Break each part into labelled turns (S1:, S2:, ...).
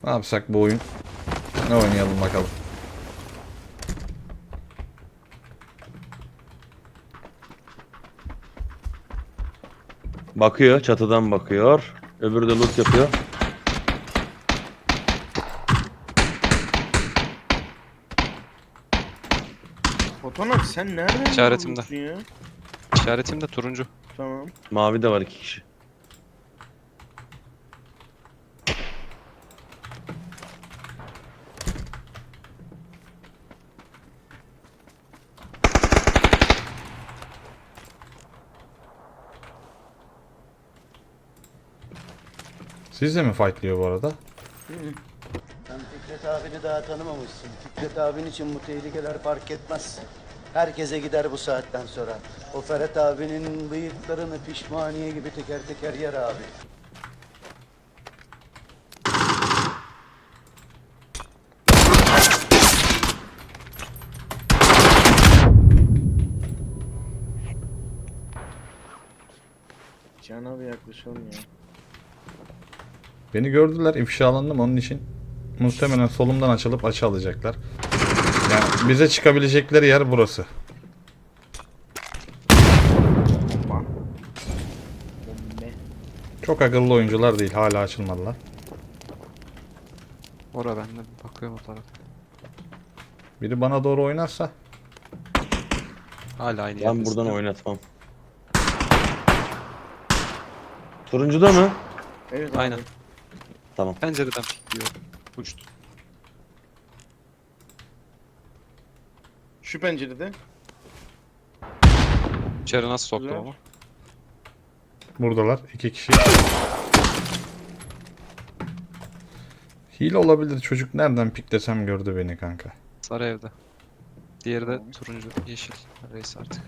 S1: Ne yapsak bu oyun? Ne oynayalım bakalım.
S2: Bakıyor, çatıdan bakıyor. Öbürü de loot yapıyor.
S3: Fotoğraf sen nereden
S4: İşaretimde.
S3: görüyorsun ya?
S4: İşaretim de turuncu.
S3: Tamam.
S2: Mavi de var 2 kişi.
S1: Siz de mi fightlıyor bu arada?
S5: Sen Fikret abini daha tanımamışsın. Fikret abin için bu tehlikeler fark etmez. Herkese gider bu saatten sonra. O Ferhat abinin bıyıklarını pişmaniye gibi teker teker yer abi.
S3: Can abi yaklaşalım ya.
S1: Beni gördüler, ifşalandım onun için. Muhtemelen solumdan açılıp açı alacaklar. Yani bize çıkabilecekleri yer burası.
S3: Bomba. Bombe.
S1: Çok akıllı oyuncular değil, hala açılmadılar.
S4: Ora ben de bakıyorum o tarafa.
S1: Biri bana doğru oynarsa
S4: Hala aynı
S2: Ben
S4: yerdesin.
S2: buradan oynatmam. Turuncuda mı?
S3: Evet
S4: Aynen.
S3: abi.
S2: Tamam.
S4: Pencereden pikliyor. Uçtu.
S3: Şu pencerede.
S4: İçeri nasıl soktum
S3: Güzel.
S4: ama?
S1: buradalar. 2 kişi. Hile olabilir, çocuk nereden piklesem gördü beni kanka.
S4: Sarı evde. Diğeri de
S3: Tamam.
S4: turuncu, yeşil. Reis artık.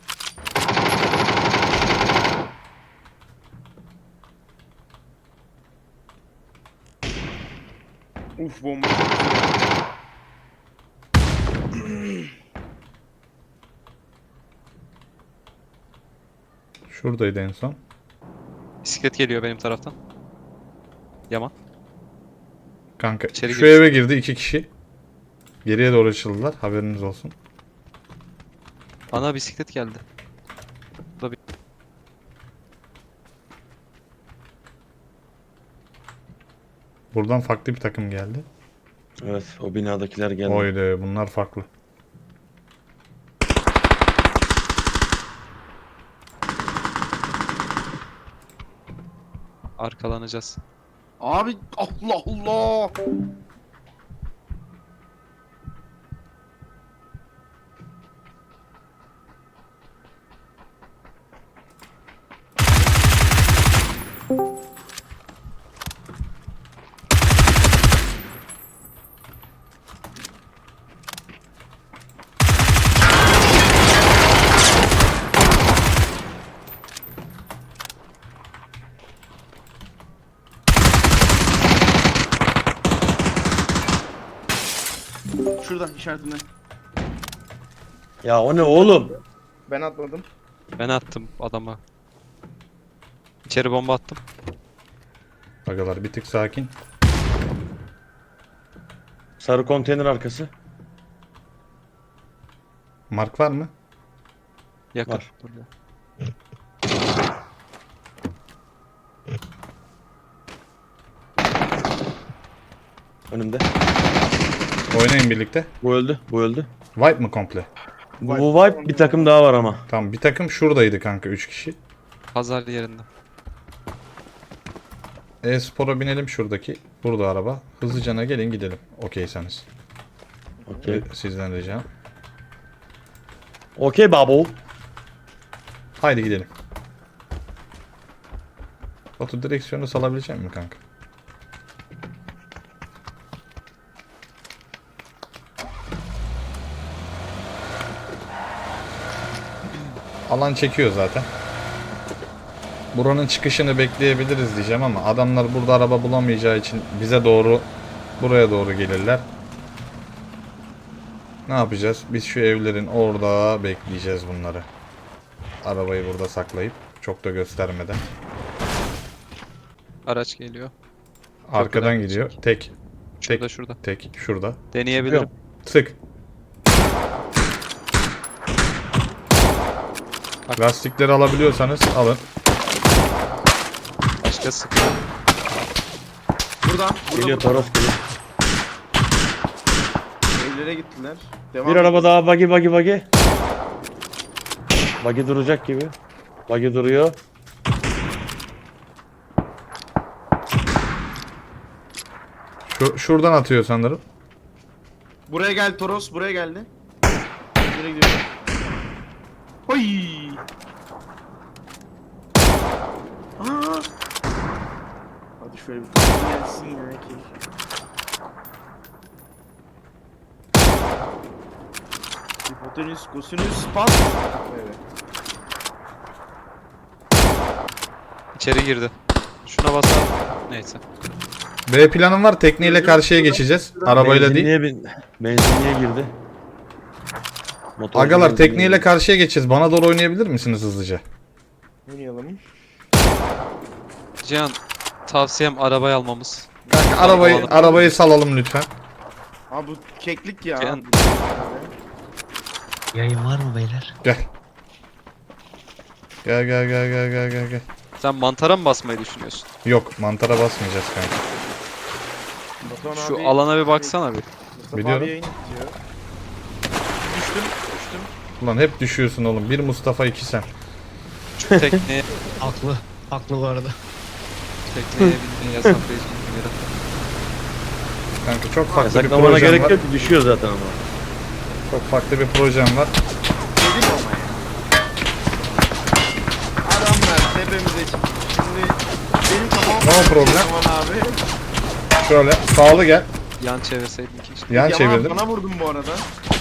S3: Uf bomba.
S1: Şuradaydı en son.
S4: Bisiklet geliyor benim taraftan. Yaman.
S1: Kanka
S4: İçeri
S1: şu
S4: girsin.
S1: eve girdi 2 kişi. Geriye doğru açıldılar, haberiniz olsun.
S4: Ana bisiklet geldi.
S1: Buradan farklı bir takım geldi.
S2: Evet, o binadakiler geldi.
S1: Oydu, bunlar farklı.
S4: Arkalanacağız.
S3: Abi Allah Allah. Şuradan işaretinde.
S2: Ya o ne oğlum?
S3: Ben atladım.
S4: Ben attım adama. İçeri bomba attım.
S1: Agalar bir tık sakin.
S2: Sarı konteyner arkası.
S1: Mark var mı?
S4: Yakın.
S2: Var.
S4: Burada.
S2: Önümde.
S1: Oynayın birlikte.
S2: Bu öldü. Bu öldü.
S1: Wipe mı komple?
S2: Bu vibe bir takım daha var ama.
S1: Tamam, bir takım şuradaydı kanka, 3 kişi.
S4: Pazar yerinde.
S1: E-Spor'a binelim şuradaki. Burada araba. Hızlıcana gelin gidelim. Okeyseniz.
S2: Okey.
S1: Sizden ricam.
S2: Okey babo.
S1: Haydi gidelim. Batu, direksiyonu salabilecek misin kanka? Alan çekiyor zaten. Buranın çıkışını bekleyebiliriz diyeceğim ama adamlar burada araba bulamayacağı için bize doğru, buraya doğru gelirler. Ne yapacağız? Biz şu evlerin orada bekleyeceğiz bunları. Arabayı burada saklayıp çok da göstermeden.
S4: Araç geliyor.
S1: Arkadan
S4: Köprüden
S1: gidiyor.
S4: geçecek.
S1: Tek.
S4: Şurada şurada.
S1: Tek. Şurada.
S4: Deneyebilirim.
S1: Sık.
S4: Bak.
S1: Lastikleri alabiliyorsanız alın.
S4: Başka sıkıyor.
S3: Burada.
S2: Geliyor Toros geliyor.
S3: Evlere gittiler. Devam
S2: Bir
S3: et.
S2: araba daha buggy. Buggy duracak gibi. Buggy duruyor.
S1: Şuradan atıyor sanırım.
S3: Buraya gel Toros. Buraya geldi. Nereye gidiyor? Oy. Aa. Hadi şöyle bir gelsin ya ki. Hipotenüs, kosinüs, pat. Evet.
S4: İçeri girdi. Şuna basar. Neyse.
S1: B planım var. Tekneyle karşıya geçeceğiz. Arabayla değil.
S2: Benzinliğe girdi. Motor
S1: Agalar
S2: benzinliğe
S1: tekneyle
S2: girdi.
S1: karşıya geçeceğiz. Bana doğru oynayabilir misiniz hızlıca?
S3: Oynayalım.
S4: Cihan tavsiyem arabayı almamız.
S1: Kanka
S4: Alalım.
S1: arabayı salalım lütfen.
S3: Abi bu keklik ya.
S4: Cihan-
S6: Yayın var mı beyler?
S1: Gel. Gel.
S4: Sen mantara mı basmayı düşünüyorsun?
S1: Yok, mantara basmayacağız kanka.
S3: Batuhan
S4: Şu
S3: abi-
S4: alana bir baksana bir.
S3: Mustafa
S1: Biliyorum.
S3: abi yayın izliyor. Düştüm.
S1: Ulan hep düşüyorsun oğlum. Bir Mustafa, iki sen.
S4: Şu tekneye
S6: Haklı bu arada.
S4: binmeyi yasaklayacağım bir yere.
S1: Kanka çok farklı bir
S2: Yasaklamana
S1: projem
S2: gerek
S1: var.
S2: yok ki düşüyor zaten ama.
S1: Çok farklı bir projem var.
S3: Dedim ama ya. Adamlar tepemize çıktı. Şimdi benim kafam...
S1: No problem.
S3: Yaman abi.
S1: Şöyle sağlı gel.
S4: Yan çevirseydin keşke.
S1: Yan
S3: Yaman
S1: çevirdim.
S3: bana vurdun bu arada.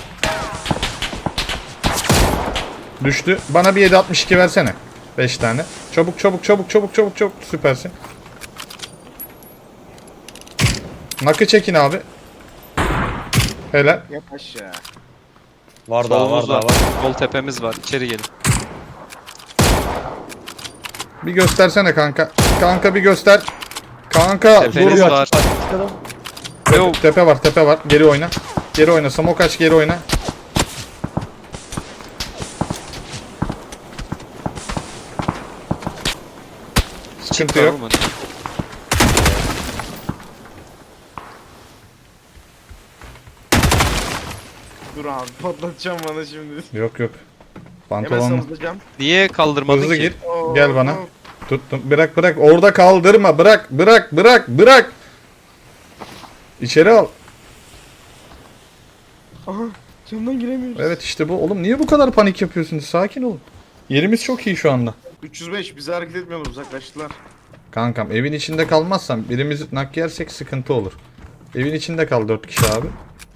S1: Düştü. Bana bir 7.62 versene. 5 tane. Çabuk. Süpersin. Nakı çekin abi. Helal.
S3: Yap aşağı.
S2: Var daha var
S4: Solumuz
S2: daha
S4: var.
S2: var.
S4: Sol tepemiz var. İçeri gelin.
S1: Bir göstersene kanka. Kanka bir göster. Kanka
S4: Tepeniz
S1: dur.
S4: var.
S2: Çıkalım.
S4: Yo,
S1: Tepe var. Geri oyna. Geri oyna. Smoke aç, geri oyna. Sıkıntı yok.
S4: olmadı.
S3: Dur abi patlatacağım bana şimdi.
S1: Yok.
S3: Hemen
S1: Pantolon.
S3: savunacağım.
S4: Niye kaldırmadın
S1: Hızlı
S4: ki?
S1: gir.
S3: Oo,
S1: Gel bana.
S3: oo.
S1: Tuttum. Bırak. Orada kaldırma. Bırak. İçeri al.
S3: Aha camdan giremiyoruz.
S1: Evet işte bu. Oğlum niye bu kadar panik yapıyorsunuz? Sakin olun. Yerimiz çok iyi şu anda.
S3: 305 bize hareket etmiyorlar uzaklaştılar.
S1: Kankam evin içinde kalmazsan birimiz nak yersek sıkıntı olur. Evin içinde kal 4 kişi abi.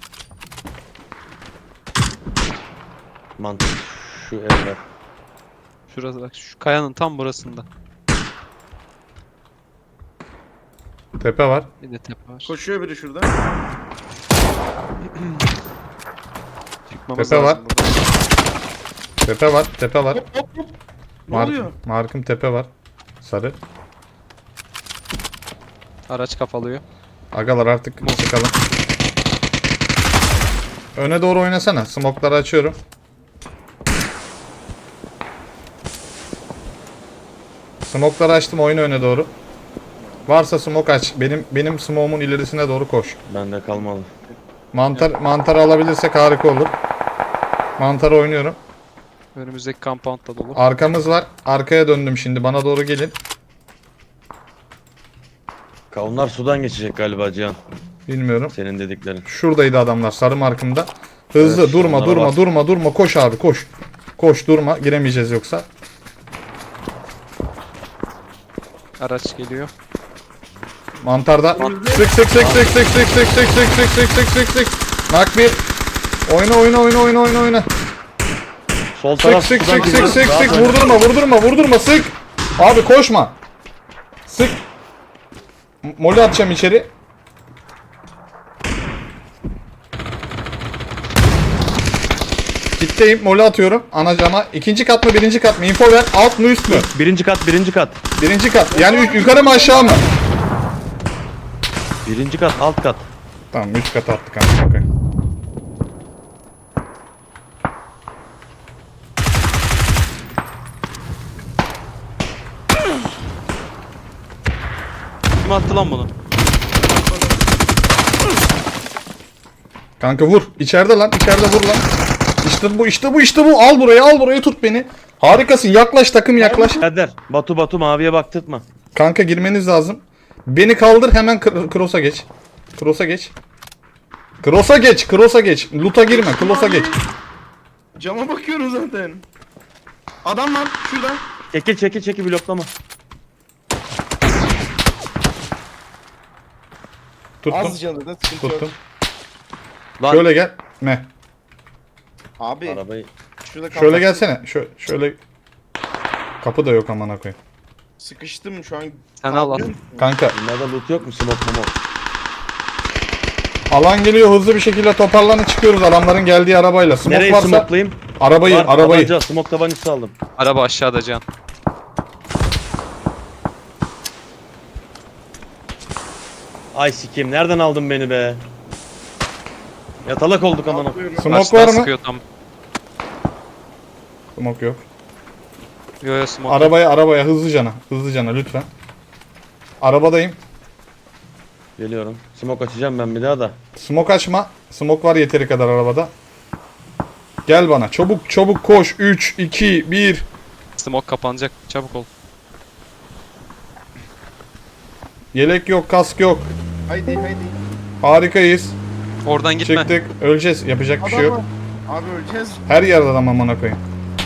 S2: Mantık. Şu evler.
S4: Şurası bak. Şu kayanın tam burasında.
S1: Tepe var.
S4: Bir de tepe var.
S3: Koşuyor biri şurada.
S4: Çıkmamız
S1: Tepe
S4: lazım
S1: var.
S4: buradan.
S1: Tepe var.
S3: Hop. Ne oluyor?
S1: Markım tepe var. Sarı.
S4: Araç kafalıyor.
S1: Agalar artık çıkalım. Öne doğru oynasana. Smokları açıyorum. Smokları açtım, oyna öne doğru. Varsa smoke aç. Benim smoke'umun ilerisine doğru koş.
S2: Bende kalmadı.
S1: Mantar alabilirsek harika olur. Mantarı oynuyorum.
S4: Önümüzdeki compound da dolu.
S1: Arkamız var. Arkaya döndüm şimdi. Bana doğru gelin.
S2: Onlar sudan geçecek galiba Cihan.
S1: Bilmiyorum.
S2: Senin dediklerin.
S1: Şuradaydı adamlar sarı markımda. Hızlı
S2: Evet,
S1: durma
S2: onlara
S1: durma
S2: bas.
S1: durma koş abi koş. Koş durma, giremeyeceğiz yoksa.
S4: Araç geliyor.
S1: Mantarda sık. Nak bir. Oyna.
S2: Sol taraf
S1: Sık
S2: sudan gidiyor. Rahat oyna.
S1: vurdurma sık. Abi koşma. Sık. Molly atacağım içeri. Kitleyim, molly atıyorum anacama. İkinci kat mı, birinci kat mı? Info ver. Alt mı, üst mü?
S2: Birinci kat.
S1: Birinci kat. Yani yukarı mı, aşağı mı?
S2: Birinci kat, alt kat.
S1: Tamam, 3 kat attık amına koyayım.
S4: Kim attı lan bunu?
S1: Kanka vur. İçeride lan. İçeride vur lan. İşte bu, işte bu, işte bu. Al burayı, al burayı, tut beni. Harikasın. Yaklaş takım, yaklaş.
S2: Kader, Batu maviye baktırtma.
S1: Kanka girmeniz lazım. Beni kaldır, hemen cross'a geç. Cross'a geç. Cross'a geç, cross'a geç. Loot'a girme, cross'a geç.
S3: Cama bakıyorum zaten. Adam var şurada.
S2: Çekil bloklama.
S1: Tuttum,
S3: Az canı da sıkıntı yok.
S1: tuttum.
S2: Lan.
S1: Şöyle gel. Ne?
S3: Abi
S2: Arabayı.
S3: şurada
S1: Şöyle
S3: kalmak-
S1: gelsene. Şöyle. Kapı da yok amına koyayım.
S3: Sıkıştım şu an.
S4: Sen al al.
S1: Kanka
S2: Bunlarda loot yok mu? Smoke mu?
S1: alan geliyor, hızlı bir şekilde toparlanıp çıkıyoruz adamların geldiği arabayla. Smoke
S2: Nereye
S1: varsa
S2: smoke'layayım?
S1: arabayı,
S2: Var,
S1: arabayı.
S2: tabanca, smoke tabancası aldım.
S4: Araba aşağıda Can.
S2: Ay sikeyim, nereden aldın beni be? Yatalak olduk aman.
S1: Smoke
S4: Karşıdan
S1: var mı?
S4: sıkıyor tam.
S1: Smoke yok.
S4: Yo yo smoke.
S1: Arabaya hızlıcana lütfen. Arabadayım.
S2: Geliyorum. Smoke açacağım ben bir daha da.
S1: Smoke açma. Smoke var yeteri kadar arabada. Gel bana. Çabuk koş. 3 2 1.
S4: Smoke kapanacak. Çabuk ol.
S1: Yelek yok, kask yok.
S3: Haydi.
S1: Harikayız.
S4: Oradan gitme.
S1: Çıktık. Öleceğiz. Yapacak bir şey
S3: Adam
S1: yok.
S3: var. Abi öleceğiz.
S1: Her yerde adam amına koyayım.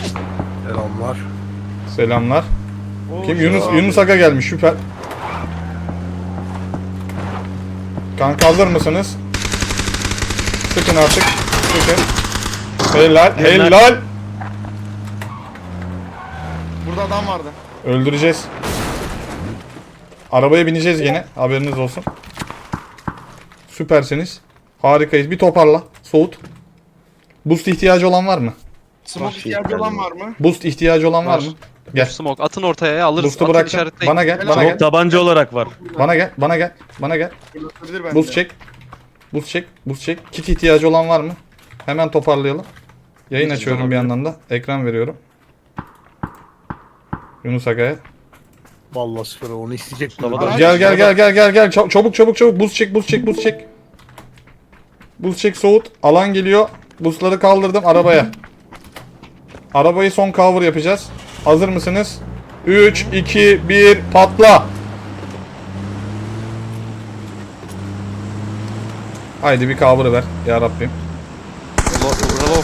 S1: Selamlar.
S3: Oo,
S1: Kim?
S3: şu
S1: Yunus
S3: abi.
S1: Yunus Aga gelmiş. Süper. Kanka hazır mısınız? Sıkın artık. Sıkın. Helal.
S3: Burada adam vardı.
S1: Öldüreceğiz. Arabaya bineceğiz gene. Haberiniz olsun. Süpersiniz. Harikayız. Bir toparla. Soğut. Boost ihtiyacı olan var mı?
S3: Smoke ihtiyacı olan var mı?
S1: Boost ihtiyacı olan var
S4: Var.
S1: mı? Gel.
S4: Smoke atın ortaya ya alırız.
S1: Boost'u
S4: Atın
S1: bıraktım.
S4: işaretleyin.
S1: Bana gel. Bana
S2: Smoke
S1: gel.
S2: tabanca olarak var.
S1: Bana gel.
S3: Fırlatabilir bence.
S1: Boost çek. Boost çek. Kit ihtiyacı olan var mı? Hemen toparlayalım. Yayın açıyorum bir yandan da. Ekran veriyorum. Yunus Aga'ya.
S7: Vallahi sıfır onu isteyecek.
S2: Mustafa da-
S1: Gel. Çabuk. Boost çek. Boost çek soğut. Alan geliyor. Boostları kaldırdım arabaya. Arabayı son cover yapacağız. Hazır mısınız? 3 2 1 patla. Haydi bir cover ver ya Rabbim.
S4: Reload.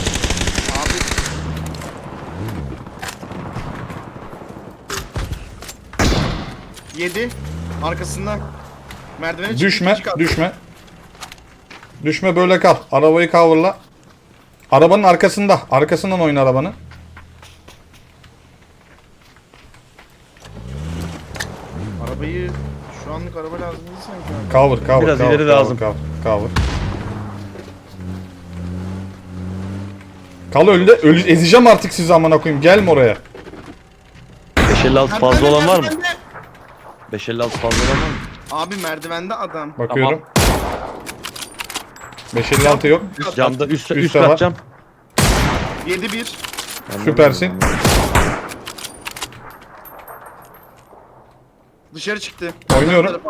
S3: 7 arkasından. Merdivene çıktı,
S1: Düşme,
S3: ikinci kat.
S1: düşme. Düşme böyle kal. Arabayı coverla. Arabanın arkasında. Arkasından oyna arabanı.
S3: Arabayı şu anlık araba lazım değil sanki abi.
S1: Cover.
S2: Biraz ileri lazım.
S1: Cover. Kal öldü. Ezeceğim artık sizi amına koyayım. Gelme oraya.
S2: 556 fazla olan var mı?
S3: Merdivende.
S2: 556 fazla olan var mı?
S3: Abi merdivende adam.
S1: Bakıyorum. 556 yok.
S2: Camda üst
S1: Üstte var.
S2: kat cam.
S3: 7-1.
S1: Süpersin.
S3: Dışarı çıktı.
S1: Oynuyorum.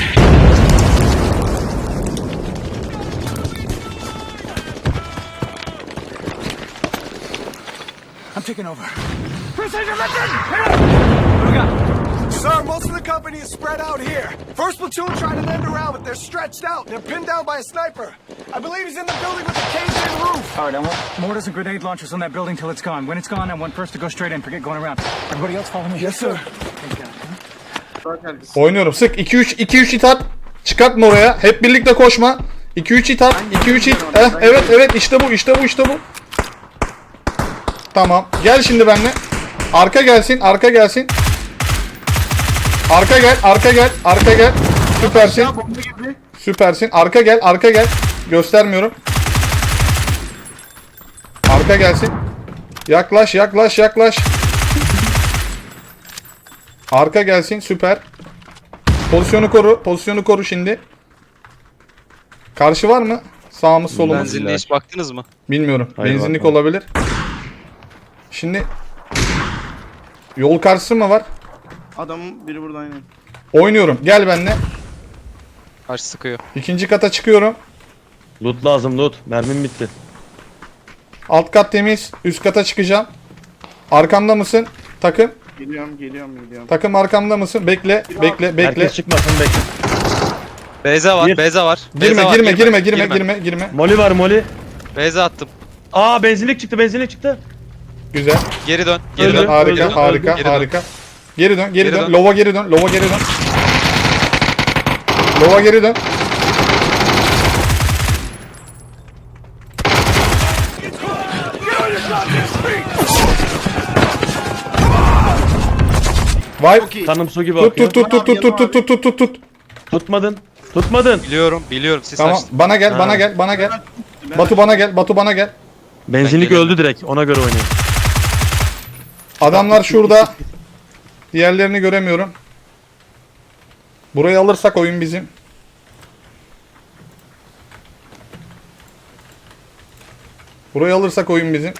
S8: I'm taking over. Precision mission! Sir, most of the company is spread out here. First platoon tried to land around, but they're stretched out. They're pinned down by a sniper. I believe he's in the building with the caved-in roof.
S9: All right, I want mortars and grenade launchers on that building till it's gone. When it's gone, I want first to go straight in. Forget going around. Everybody else follow me.
S8: Yes, sir.
S9: Thank God.
S3: Bak herkes.
S1: Oynuyorum. Sık 2-3 it at. Çıkartma oraya. Hep birlikte koşma. 2-3 it at. 2-3 it. Evet işte bu. Tamam. Gel şimdi benimle. Arka gelsin. Arka gel. Süpersin.
S3: Ya bomba girdi.
S1: Süpersin. Arka gel. Göstermiyorum. Arka gelsin. Yaklaş. Arka gelsin. Süper. Pozisyonu koru şimdi. Karşı var mı? Sağımız solumuz.
S4: Benzinliğe hiç baktınız mı?
S1: Bilmiyorum.
S2: Hayır,
S1: Benzinlik
S2: bakmadım.
S1: olabilir. Şimdi yol karşısı mı var?
S3: Adamın biri burada aynen.
S1: Oynuyorum. Gel benimle.
S4: Karşı sıkıyor.
S1: İkinci kata çıkıyorum.
S2: Loot lazım loot. Mermim bitti.
S1: Alt kat temiz. Üst kata çıkacağım. Arkamda mısın? Takım.
S3: Geliyorum.
S1: Takım arkamda mısın? Bekle. Bekle.
S2: Herkes çıkmasın bekle.
S4: Beyza var,
S2: Gir.
S4: Beyza var.
S1: Girme,
S4: Beyza var,
S1: girme.
S2: Moli var moli.
S4: Beyza attım.
S2: Aa benzinlik çıktı.
S1: Güzel.
S4: Geri dön,
S2: Öldü.
S4: geri dön.
S1: Harika,
S2: öldü,
S1: harika,
S4: geri dön.
S1: harika. Geri dön.
S4: Geri dön.
S1: Lova geri dön. Lova geri dön. Vay.
S2: Kanım su gibi
S1: Tut
S2: akıyor.
S1: tut.
S2: Tutmadın.
S4: Biliyorum. Siz
S1: Tamam.
S4: açtın.
S1: Bana gel. Batu bana gel.
S2: Benzinlik
S4: Ben gelirim.
S2: öldü direkt. Ona göre oynayın.
S1: Adamlar şurada. Diğerlerini göremiyorum. Burayı alırsak oyun bizim. Burayı alırsak oyun bizim.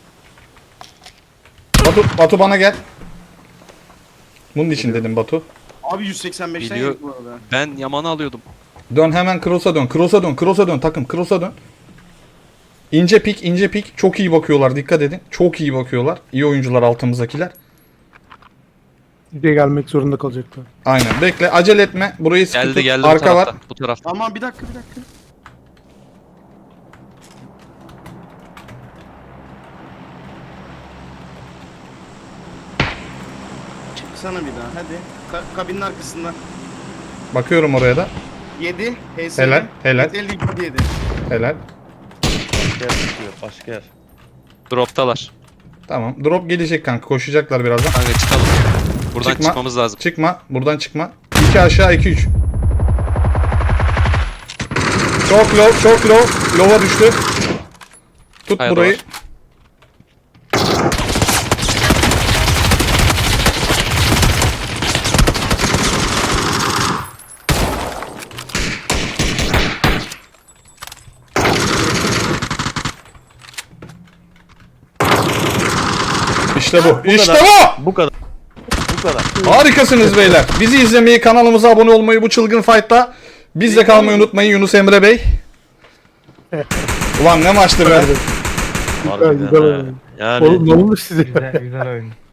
S1: Batu bana gel. Bunun için dedim Batu.
S3: Abi 185'ten
S4: Biliyor.
S3: yedik bu arada.
S4: Ben Yaman'ı alıyordum.
S1: Dön hemen cross'a dön. Cross'a dön takım. Cross'a dön. İnce pik. Çok iyi bakıyorlar. Dikkat edin. Çok iyi bakıyorlar. İyi oyuncular altımızdakiler.
S7: Buraya gelmek zorunda kalacaklar.
S1: Aynen. Bekle. Acele etme. Burayı sıkı tut.
S4: Geldi
S1: Arka
S4: bu
S1: var.
S4: tarafta. Bu tarafta.
S3: Tamam bir dakika. Çıksana bir daha hadi. Kabinin arkasından.
S1: Bakıyorum oraya da.
S3: 7. HS.
S1: Helal, helal.
S3: 7.
S1: Helal.
S2: Başka yer.
S4: Droptalar.
S1: Tamam. Drop gelecek kanka. Koşacaklar birazdan.
S4: Kanka çıkalım. Buradan
S1: Çıkma.
S4: çıkmamız lazım.
S1: Çıkma. Buradan çıkma. 2 aşağı 2 3. Çok low. Low'a düştü. Tut
S4: Hayır,
S1: burayı.
S4: var.
S1: İşte bu. İşte
S2: kadar.
S1: bu.
S2: Bu kadar.
S1: Harikasınız beyler. Bizi izlemeyi, kanalımıza abone olmayı bu çılgın fight'ta bizle kalmayı unutmayın Yunus Emre Bey. Ulan ne maçtı be.
S2: Harbiden
S7: güzel
S2: ha.
S7: oyun.
S2: Yani
S7: Oğlum ne olmuş size?
S6: Güzel oyun.